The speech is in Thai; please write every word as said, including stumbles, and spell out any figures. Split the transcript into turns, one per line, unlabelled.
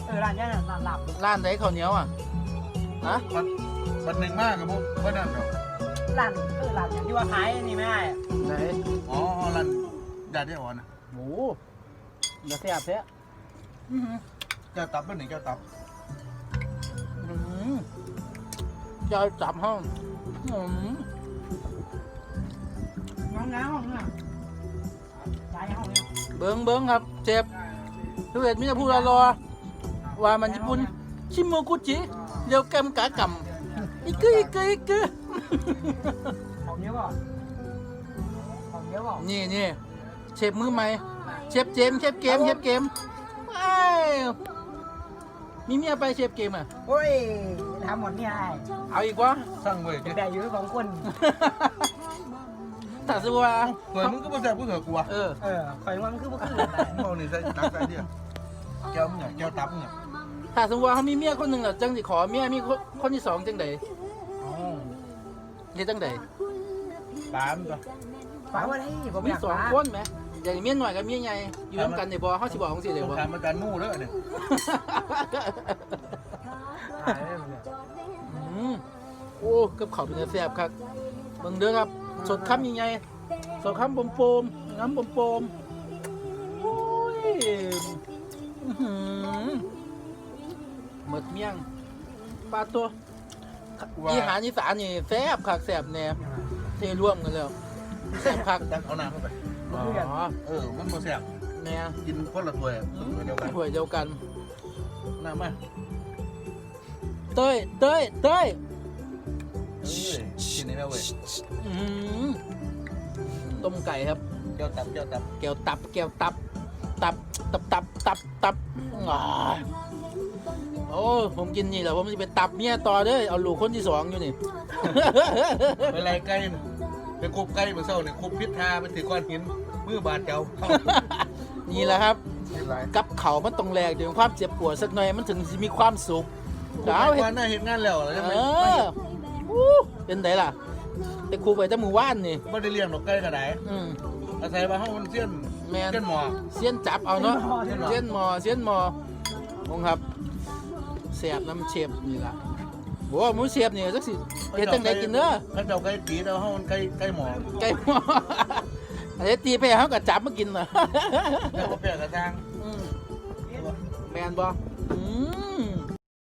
เออร้านนี้ร้านหลับ
ร้านไหนข้าวเหนียวอ่ะฮะ
มันมันหนึ่งมากกับพวกพวกนั่นเนาะ
ร้านเออร้านที่ว่าขายนี่ไม่ได้
ไหน
อ๋อร้านยาที่อ่อนนะ
หมูเดี๋ยวแซ่บแท้อื้อหือ
แก้วตับเป็นหนึ่งแก้วตับ
อื้อหือจะเอาจับห้องอื้อหือ
น้องน้ำห้องเนี่ยใช้ห้องเนี่ย
เบิ้งเบิ้งครับเจ็บทุเรศมิจะพูดรอว่ามันญี่ปุ่นชิโมกุจิเรียวแกมกากำอีกึอีกึอีกึ
ของเยอะป่ะของเยอะป่ะ
นี่นี่เชฟมือใหม่เชฟเจมส์เชฟเกมเชฟเกมไอ้มีเมียไปเชฟเกมอ่ะ
โอ้ยทำหมดเนี่ยไอ้
เอาอีกวะ
สร้างเว้ย
แต่อยู่สองคน
ถ้าสมมติว่า
เผื่อมึงก็มาแซ่บกูเถอะกูวะ
เออ
เออคอยว่ามันคือมันคืออะไร
มึงเอานี่ใส่ตักใส่เดียวแก้วมึงเนี่ยแก้วตับมึงเนี่ย
ถ้าสมมติว่าเขามีเมียคนหนึ่งอ่ะจังสิขอเมียมีคนคนที่สองจังใด
อ๋อ
นี่จังใด
ตามตัว
ป้าว่าได้ผม
มี
อยาก
สอง
ป้า
คนไหมอย่างเมียหน่อยกับเมียใหญ่อยู่ร่วมกันในบ่เขาสิบอกของสิเลย
ต้อง
บ่
การมาการมู่เด้อเนี่ย
อืมโอ้กับเขาวเป็นเนื้อแซ่บครับเบิ่งเด้อครับสดคำใหญ่ๆสดคำปมๆน้ำปมๆโอ้ยอื้อหือหมดเมี่ยงปลาตัวอีหารอีสานนี่แซ่บคักแซ่บแน่เทร่วมกันแล้วแซ่บคัก
ตักเอาน้ำเข้าไป
อ๋อ
เออมันบ่แซ่บ
แน่
กินคนละถ้วยถ้วยเดียวกัน
ถ้วยเดียวกัน
น้ำมา
เต้ยเต้ยเต้ย
เอ้ยกินนี่แม่เว้ย
อื้อหือต้มไก่ครับ
แก้วตับแก้วตับ
แก้วตับแก้วตับตับตับตับตับตับอ่าโอ้ผมกินนี่แหละผมจะไปตับเมียต่อเด้อเอาลูกคนที่สองอยู่นี่
เป็นไรไก่ไปคบไก่เมื่อเช้าเนี่ยคบพิษทาเป็นถือก้อนหินมือบาดเจ้า
นี่แหละครับ
เป็นไร
กับเขามันต้องแลกถึงความเจ็บปวดสักหน่อยมันถึงจะมีความสุข
ดา
ดาว ว
เห็
เห็
น
น
หน้าเห็นงานแล้วแล้วจะ
เอ
ไม่
ออู้เป็นไงล่ะแต่ครูไปแต่หมู่ว่านนี่
ไม่ได้เลี้ยงดอกไก่กระได
อืม
อาศัยว่าห้องมันเสี้ยน
แมน
เสี้ยนหมอ
เสี้ยนจับเอาเนาะ
เสี้ยนหมอ
เสี้ยนหมอเสี้ยนหมอมงครับเสียบน้ำเชฟนี่ล่ะโอ้หมูเสียบนี่จักสิเฮ็ดจังไดกินเด้อ
เขาเจ้าไก่ตีแต่ว่าห้องมันไก่ไก่หมอ
ไก่หมออันนี้ตีไปเขาก็จับมากินน่ะ
แล้วก็เปลี่ยนกระทาง
อืมแมนบ่อืม